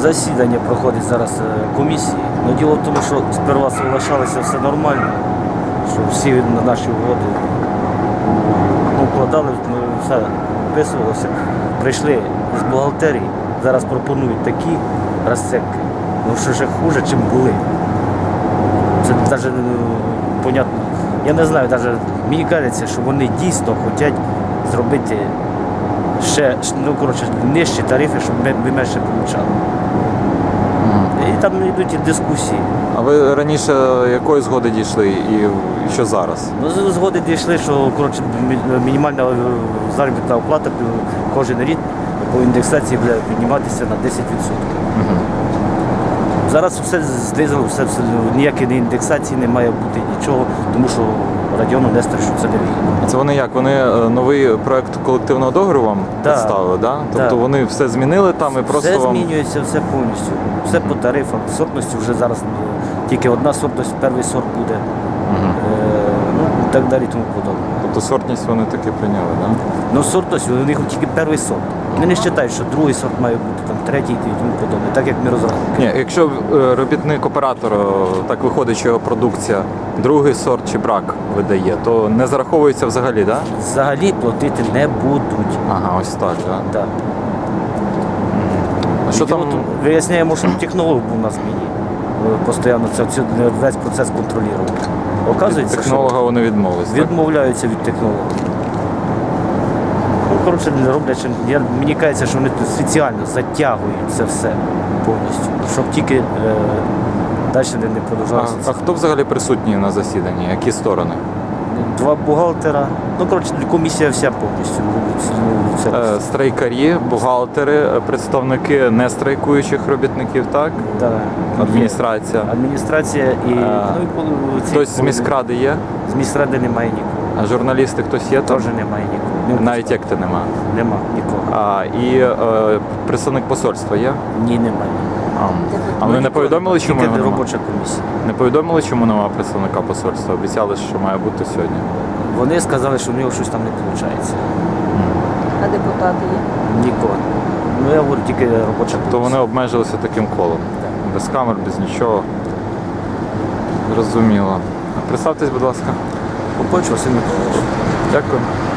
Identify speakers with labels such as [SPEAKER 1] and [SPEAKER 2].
[SPEAKER 1] Засідання проходить зараз комісії. Но діло в тому, що сперва соглашалися все нормально, що всі на наші угоди вкладали, все вписувалося. Прийшли з бухгалтерії, зараз пропонують такі розцепки, що ще хуже, ніж були. Це навіть понятно. Я не знаю, навіть мені кажеться, що вони дійсно хочуть зробити ще нижчі тарифи, щоб ми менше отримали. І там йдуть і дискусії.
[SPEAKER 2] А ви раніше якої згоди дійшли і що зараз?
[SPEAKER 1] Ну, згоди дійшли, що мінімальна заробітна оплата кожен рік по індексації буде підніматися на 10%. Зараз все знизило, ніякої індексації не має бути нічого, тому що Радіону Нестор, що це не вигідно.
[SPEAKER 2] Це вони як? Вони новий проект колективного договору вам представили, да? Тобто вони все змінили там і просто
[SPEAKER 1] все
[SPEAKER 2] вам...
[SPEAKER 1] змінюється, все повністю. Все по тарифам. Сортності вже зараз тільки одна сортність, перший сорт буде. І так далі тому подобне.
[SPEAKER 2] Тобто сортність вони таки прийняли, так? Да?
[SPEAKER 1] Ну сортність, у них тільки перший сорт. Вони не вважають, що другий сорт має бути, там, третій і тому подобне, так як ми розраховуємо.
[SPEAKER 2] Ні, якщо робітник-оператор, так виходить, що його продукція другий сорт чи брак видає, то не зараховується взагалі, так? Да?
[SPEAKER 1] Взагалі платити не будуть.
[SPEAKER 2] Ага, ось так, так? Да?
[SPEAKER 1] Так.
[SPEAKER 2] А що там?
[SPEAKER 1] Виясняємо, що технолог був на зміні. Постійно весь процес контролював. Оказується,
[SPEAKER 2] Технолога вони відмовились,
[SPEAKER 1] відмовляються від технолога. Ну, коротше, не роблять. Мені кажеться, що вони спеціально затягують це все повністю, щоб тільки далі не продовжувалося.
[SPEAKER 2] А хто взагалі присутній на засіданні? Які сторони?
[SPEAKER 1] Два бухгалтера. Ну, коротше, комісія вся повністю.
[SPEAKER 2] Страйкарі, бухгалтери, представники нестрайкуючих робітників, так?
[SPEAKER 1] Так.
[SPEAKER 2] Адміністрація.
[SPEAKER 1] Адміністрація і...
[SPEAKER 2] Хтось з міськради є?
[SPEAKER 1] З міськради немає нікого.
[SPEAKER 2] А журналісти хтось є там?
[SPEAKER 1] Теж немає нікого.
[SPEAKER 2] Навіть як ти нема?
[SPEAKER 1] Нема нікого.
[SPEAKER 2] І представник посольства є?
[SPEAKER 1] Ні, немає.
[SPEAKER 2] А вони не повідомили, чому
[SPEAKER 1] Тільки
[SPEAKER 2] нема?
[SPEAKER 1] робоча комісія.
[SPEAKER 2] Не повідомили, чому немає представника посольства? Обіцяли, що має бути сьогодні.
[SPEAKER 1] Вони сказали, що в нього щось там не виходить.
[SPEAKER 3] А депутати є?
[SPEAKER 1] Нікого. Ну, я говорю, тільки робоча комісія.
[SPEAKER 2] То вони обмежилися таким колом.
[SPEAKER 1] Так.
[SPEAKER 2] Без камер, без нічого. Зрозуміло. Представтесь, будь ласка.
[SPEAKER 1] Попоч Василь Миколаївич.
[SPEAKER 2] Дякую.